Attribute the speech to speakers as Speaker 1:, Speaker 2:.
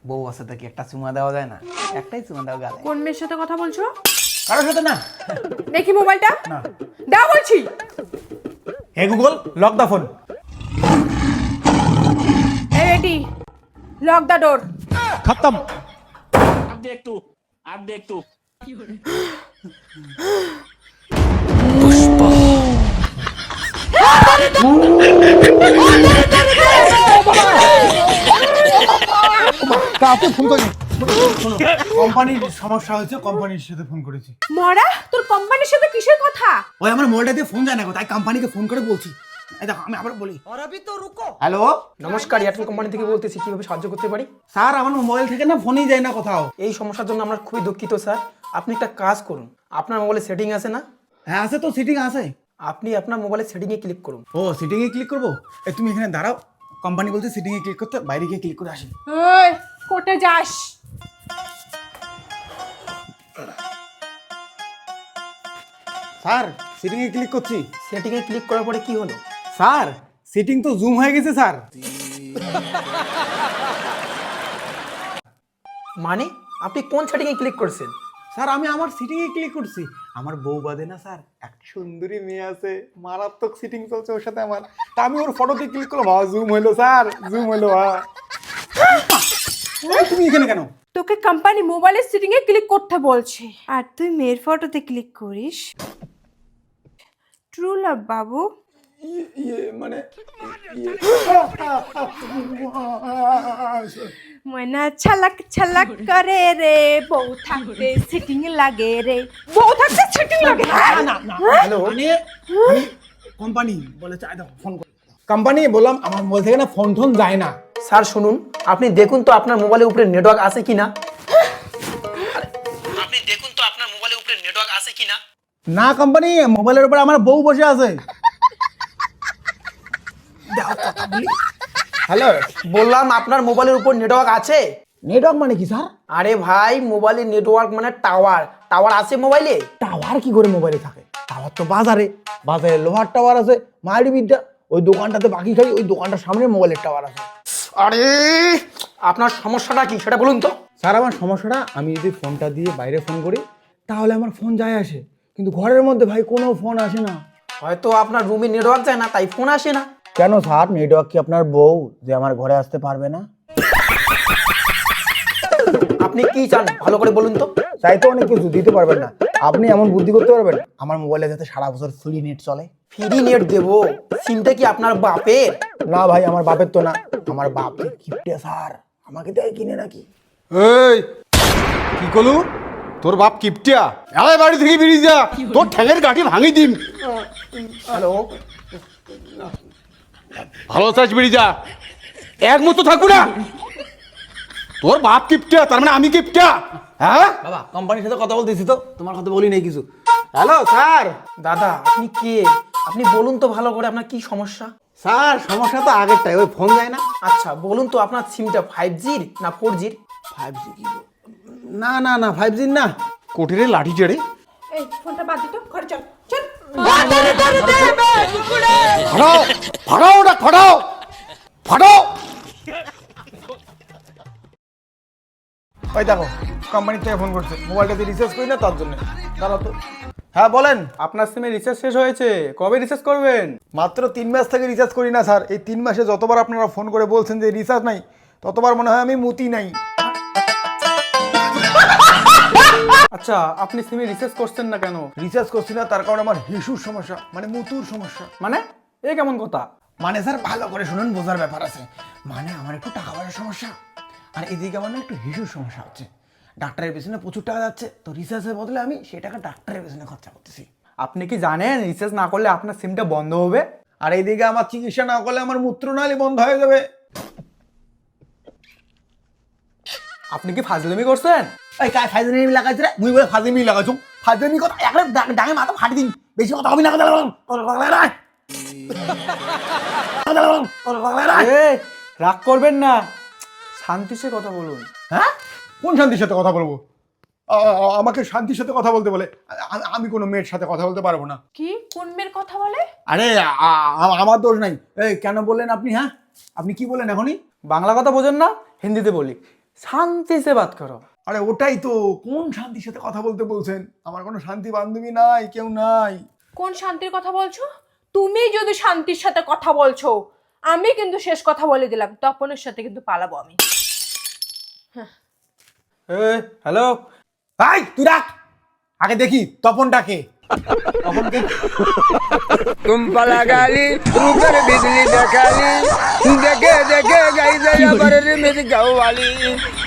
Speaker 1: বউ আছে তো কি একটা চুমা দেওয়া যায় না? একটাই চুমা দেওয়া গালে।
Speaker 2: কোন মেয়ের সাথে কথা বলছো?
Speaker 1: কারোর সাথে না।
Speaker 2: দেখি মোবাইলটা।
Speaker 1: না।
Speaker 2: দাও বলছি।
Speaker 1: Hey Google, lock the phone.
Speaker 2: এই রেডি, লক দ্য ডোর।
Speaker 1: খতম।
Speaker 3: आप देख तू
Speaker 1: কাকে ফোন করি? কোম্পানির সমস্যা হয়েছে, কোম্পানির সাথে ফোন করেছি।
Speaker 2: মরা, তোর কোম্পানির সাথে কিসের কথা?
Speaker 1: ওই আমার মোবাইলটা দিয়ে ফোন যায় না গো, তাই কোম্পানিকে ফোন করে বলছি। এই দেখো আমি আবার বলি। হ্যালো
Speaker 4: নমস্কার, এয়ারটেল কোম্পানি থেকে বলতেছি, কিভাবে সাহায্য করতে পারি?
Speaker 1: স্যার, আমার মোবাইল থেকে না ফোনই যায় না কোথাও।
Speaker 4: এই সমস্যার জন্য আমরা খুবই দুঃখিত স্যার। আপনি একটা কাজ করুন, আপনার মোবাইলে সেটিং আছে না?
Speaker 1: হ্যাঁ আছে তো, সিটিং আছে।
Speaker 4: আপনি আপনার মোবাইলে সেটিংয়ে ক্লিক করুন।
Speaker 1: ও সিটিং এ ক্লিক করবো? এই তুমি এখানে দাঁড়াও, কোম্পানি বলছে সিটিং এ ক্লিক করতে, বাইরে গিয়ে ক্লিক করে আসি।
Speaker 2: ওই কোর্টে যাস।
Speaker 1: স্যার সিটিং এ ক্লিক করছি।
Speaker 4: সেটিংয়ে ক্লিক করার পরে কি হলো?
Speaker 1: স্যার সিটিং তো জুম হয়ে গেছে স্যার।
Speaker 4: মানে আপনি কোন সেটিংয়ে ক্লিক করছেন?
Speaker 1: স্যার আমি আমার সিটিং এ ক্লিক করছি। আমার বউ বাদে না স্যার এক সুন্দরী মেয়ে আছে, মারাত্মক সিটিং চলছে ওর সাথে আমার। তা আমি ওর ফটোতে ক্লিক করলাম, জুম হলো স্যার, জুম হলো। তুমি এখানে কেন?
Speaker 2: তোকে কোম্পানি মোবাইলের সেটিং এ ক্লিক করতে বলছে আর তুই মেয়ের ফটোতে ক্লিক করিস। ট্রু লাভ বাবু।
Speaker 1: মানে
Speaker 2: ময়না ছলক ছলক করে রে, বউ থাকতে সেটিং লাগে রে, বউ থাকতে সেটিং লাগে।
Speaker 1: হ্যালো কোম্পানি বলেছে, আয় দেখো ফোন করে। কোম্পানি বললাম আমার মোবাইল থেকে না ফোন টোন যায় না।
Speaker 4: স্যার শুনুন, আপনি দেখুন তো আপনার মোবাইলের উপরে নেটওয়ার্ক আছে কিনা। আপনি দেখুন তো আপনার মোবাইলের উপরে নেটওয়ার্ক আছে কিনা।
Speaker 1: না কোম্পানি, মোবাইলের উপর আমার বউ বসে আছে। হ্যালো,
Speaker 4: বললাম আপনার মোবাইলের উপর নেটওয়ার্ক আছে।
Speaker 1: নেটওয়ার্ক মানে কি স্যার?
Speaker 4: আরে ভাই, মোবাইলের নেটওয়ার্ক মানে টাওয়ার। টাওয়ার আছে মোবাইলে?
Speaker 1: টাওয়ার কি করে মোবাইলে থাকে? টাওয়ার তো বাজারে, বাজারে লোহার টাওয়ার আছে। মায়ের বিদ্যা, ওই দোকানটাতে বাকি খাই, ওই দোকানটার সামনে মোবাইলের টাওয়ার আছে।
Speaker 4: আরে আপনার সমস্যাটা কি সেটা বলুন তো।
Speaker 1: স্যার আমার সমস্যাটা, আমি যদি ফোনটা দিয়ে বাইরে ফোন করি তাহলে আমার ফোন যায় আসে, কিন্তু ঘরের মধ্যে ভাই কোনো ফোন আসে না।
Speaker 4: হয়তো আপনার রুমে নেটওয়ার্ক যায় না, তাই ফোন আসে না।
Speaker 1: কেন স্যার, নেটওয়ার্ক কি আপনার বউ যে আমার ঘরে আসতে পারবে না?
Speaker 4: আপনি কি চান ভালো করে বলুন তো।
Speaker 1: চাই তো অনেক কিছু, দিতে পারবেন না। আপনি এমন বুদ্ধি করতে পারবেন আমার মোবাইলে যাতে সারা বছর ফ্রি নেট চলে।
Speaker 4: ফ্রি নেট দেবো? সিমটা কি আপনার বাপের?
Speaker 1: না ভাই, আমার বাপের তো না, আমার বাপ কিপটে স্যার, আমাকে দেয় কিনে নাকি।
Speaker 5: এই কি করলু? তোর বাপ কিপটিয়া? আয় বাড়ি থেকে বেরিয়ে যা, তোর ঠ্যাঙের গাঁটি ভাঙি দিন।
Speaker 4: হ্যালো,
Speaker 5: ভালো চাস বেরিয়ে যা, এক মতো থাকবো না। তোর বাপ কিপটিয়া, তার মানে আমি কিপটিয়া? হ্যাঁ
Speaker 1: বাবা, কোম্পানির সাথে কথা বলতেছি তো, তোমার কথা বলি নাই কিছু। Hello sir.
Speaker 4: দাদা আপনি কে? আপনি বলুন তো ভালো করে আপনার কি সমস্যা।
Speaker 1: স্যার সমস্যা তো আগেরটাই, ওই ফোন যায় না।
Speaker 4: আচ্ছা বলুন তো আপনার সিমটা 5G না 4G?
Speaker 1: 5G কি? না না না, 5G না।
Speaker 5: কোটিরে লাঠি চেড়ে
Speaker 2: এই ফোনটা বাদ দিত, ঘরে চল চল।
Speaker 5: ফাটাও, ফাটাও ওটা, ফাটাও ফাটাও।
Speaker 1: ওই দেখো কোম্পানি থেকে ফোন করছে, মোবাইলটাতে রিচার্জ করি না তার জন্য। দাঁড়াও তো। হ্যাঁ বলেন।
Speaker 6: আপনার সিমে রিচার্জ শেষ হয়েছে, কবে রিচার্জ করবেন?
Speaker 1: মাত্র 3 মাস থেকে রিচার্জ করি না স্যার। এই 3 মাসে যতবার আপনারা ফোন করে বলছেন যে রিচার্জ নাই, ততবার মনে হয় আমি মুতি নাই।
Speaker 6: আচ্ছা, আপনি সিমে রিচার্জ করছেন না কেন?
Speaker 1: রিচার্জ করছি না তার কারণে আমার হিসুর সমস্যা, মানে মুতুর সমস্যা।
Speaker 6: মানে এ কেমন কথা?
Speaker 1: মানে স্যার ভালো করে শুনুন, বোঝার ব্যাপার আছে। মানে আমার একটু টাকা পয়সার সমস্যা, আর এদিকে আমার না একটু হিসুর সমস্যা হচ্ছে। ডাক্তারের পেছনে প্রচুর টাকা যাচ্ছে, তো রিচার্জের বদলে আমি সেই টাকা ডাক্তারের পেছনে খরচা করতেছি।
Speaker 6: আপনি কি জানেন রিচার্জ না করলে আপনার সিমটা বন্ধ হবে?
Speaker 1: আর এইদিকে আমার চিকিৎসা না করলে আমার মূত্রনালী বন্ধ হয়ে যাবে।
Speaker 6: আপনি কি ফাজলামি করছেন?
Speaker 1: এই কাজ ফাজলামি লাগাইছে রে, মুই বলে ফাজলামি লাগাইছো? ফাজলামি কথা একবার ডাঙে মাথা ফাটি দিন, বেশি কথা হবে না।
Speaker 6: এ রাগ করবেন না, শান্তি সে কথা বলুন।
Speaker 1: হ্যাঁ, কোন শান্তির সাথে কথা বলবো? আমাকে শান্তির সাথে কথা বলতে বলে? আমি কোনো মেয়ের সাথে কথা বলতে পারবো না।
Speaker 2: কি কোন মেয়ের কথা বলে?
Speaker 1: আরে আমার দোষ নাই। এই কেন বললেন আপনি? হ্যাঁ আপনি কি বললেন এখনই?
Speaker 6: বাংলা কথা বোঝেন না, হিন্দিতে বলি। শান্তি সে বাত করো।
Speaker 1: আরে ওটাই তো, কোন শান্তির সাথে কথা বলতে বলছেন? আমার কোনো শান্তি বান্ধবী নাই, কেউ নাই।
Speaker 2: কোন শান্তির কথা বলছো? তুমি যদি শান্তির সাথে কথা বলছো, আমি কিন্তু শেষ কথা বলে দিলাম, তপনের সাথে কিন্তু পালাবো আমি।
Speaker 6: হ্যালো,
Speaker 1: এই তুই রাখ, আগে দেখি তপনটাকে। তপনকে
Speaker 3: तुम पला गाली ऊपर बिजली दिखाली देखे देखे गई दया पर रिमित गौ वाली